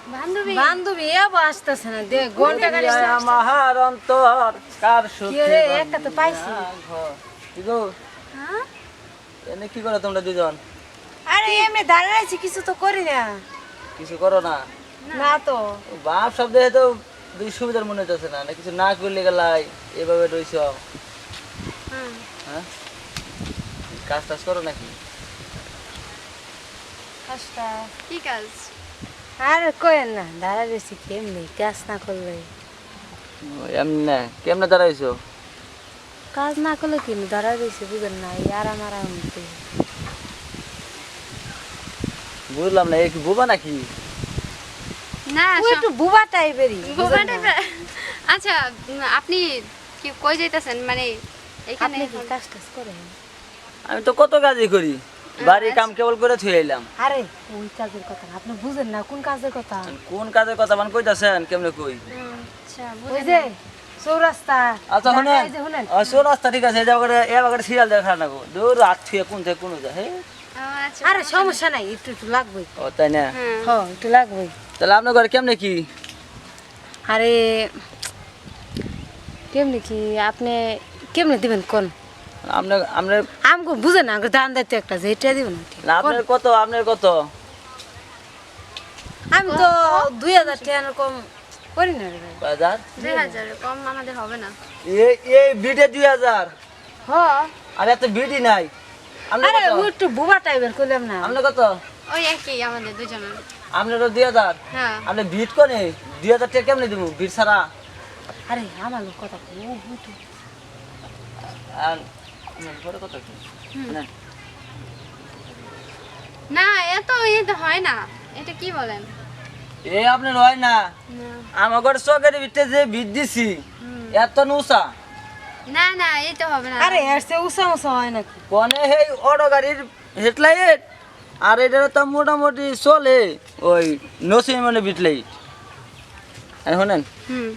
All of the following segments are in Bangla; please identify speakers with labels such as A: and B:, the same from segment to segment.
A: বান্ধবী
B: বান্ধবী এবার আসতেছে না দে ঘন্টা গাড়ি
C: আমার অন্তর কার সুখে
B: রে একটা তো পাইছি
C: কি গো
A: হ্যাঁ
C: এনে কি করো তোমরা দুজন?
B: আরে এমনি দাঁড়িয়ে আছি কিছু তো করি না
C: কিছু করো না?
B: না তো
C: বাপ সব দেখে তো দুই সুবিধার মনে হচ্ছে না কিছু না করলে গেলাই এভাবে রইছ।
A: হ্যাঁ
C: হ্যাঁ কাজ টাজ করো নাকি?
B: কাজটা
A: কি কাজ
B: আর কয়েন না দাঁড়িয়ে রয়েছি কেমনি কাজ না করলে
C: এমনি না কেমনে দাঁড়াইছো?
B: কাজ না করলে কি দাঁড়িয়ে রয়েছি বুঝেন না এই আরাম আরাম
C: বুঝলাম না এই কি বোবা নাকি?
A: না
B: ও একটু বুবা টাইপেরই
A: বোবা টাইপের। আচ্ছা আপনি কি কই যাইতাছেন মানে এখানে
B: আপনি কি কাজ টাজ করেন?
C: আমি তো কত কাজই করি, বাড়ি কাম কেবল করে থুয়ে এলাম।
B: আরে ওই কাজের কথা না, আপনি বুঝেন না কোন কাজের কথা?
C: কোন কাজের কথা মানে কইতাছেন কেমনে কই?
A: আচ্ছা
B: ওই যে চৌরাস্তা
C: আচ্ছা শুনেন,
B: এই যে শুনেন
C: সো রাস্তা ঠিক আছে, এ বাগারে সিরিয়াল দেখা না গো, দূর রাত থুয়ে কোন থেকে কোন যায়। হ্যাঁ
A: আচ্ছা
B: আরে সমস্যা নাই একটু একটু লাগবেই
C: ও তাই না?
A: হ্যাঁ
B: হ্যাঁ একটু লাগবেই
C: তাহলে আপনার ঘরে কেমনে কি?
B: আরে কেমনি কি আপনি কেমনে দিবেন কোন
C: আপনার আপনার
B: আমগো বুঝেন না আমগো দান দায়িত্ব একটা যে এটা দিবেন
C: না, আপনার কত, আপনার কত?
B: আমি তো 2000 টাকা কম করি না রে ভাই
C: বাজার
A: 2000 কম আমাদের হবে না
C: এই এই বিটে 2000
B: হ্যাঁ
C: আর এত বিটি নাই। আপনার
B: আরে
C: কত?
B: ও একটু বুবা টাইপের কইলাম না
C: আপনার কত?
A: ওই একই আমাদের দুজনের
C: আপনারও 2000।
A: হ্যাঁ
C: আপনি বিট কোনে 2000 টাকা কেমনে দিব বিট ছাড়া?
B: আরে আমার লোক কথা কই ও বুঝু
C: আর ঘরে কত কি? না
A: না এত এটা হয় না এটা কি বলেন
C: এই আপনার হয় না, আমার ঘরে চকের ভিতরে যে বিট দিছি এত নুসা
A: না না এটা হবে না
B: আরে এসে উসা উসা হয় নাকি
C: কোনে হেই অটো গাড়ির হেডলাইট আর এটা তো মোটামুটি চলে ওই নসিম মানে বিট লাইট। শুনেন
A: হুম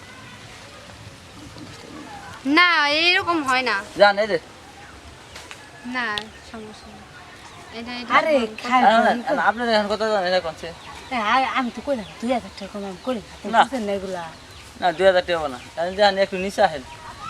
A: না এরকম হয় না
C: জান এই যে
A: না সমস্যা নেই এটা এটা
B: আরে খাই
C: আপনার এখন কত জানেন এটা কোনছে?
B: আমি তো কইলাম 2000 টাকা কম আমি করি আপনি
C: না।
B: বুঝেন না এগুলা
C: না 2000 টাকা হবে না, তাহলে জান একটু নিচে আহেন,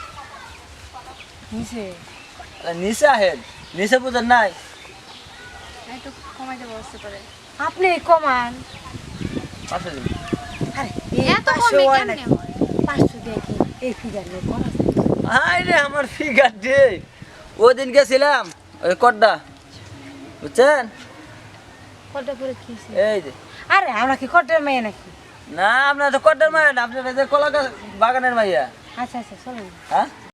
B: নিচে
C: নিচে আহেন, নিচে বুঝেন নাই?
A: একটু কমাইতে বসতে পারে
B: আপনি কমান
C: পাঁচশো দিন।
B: আরে
A: এত কমে কেমনে হয়
B: 500 দিয়ে কি এই ফিগার নিয়ে করা যায়?
C: হাই রে আমার ফিগার ডে, ওই দিন গেছিলাম ওই কড্ডা, বুঝছেন?
B: কটা করে কিছি
C: এই যে
B: আরে আমরা কি কটার মেয়ে নাকি
C: না আপনার তো কড্ডার মায়ের না, আপনার এই যে কলা গাছ বাগানের মাইয়া।
B: আচ্ছা আচ্ছা চলুন
C: হ্যাঁ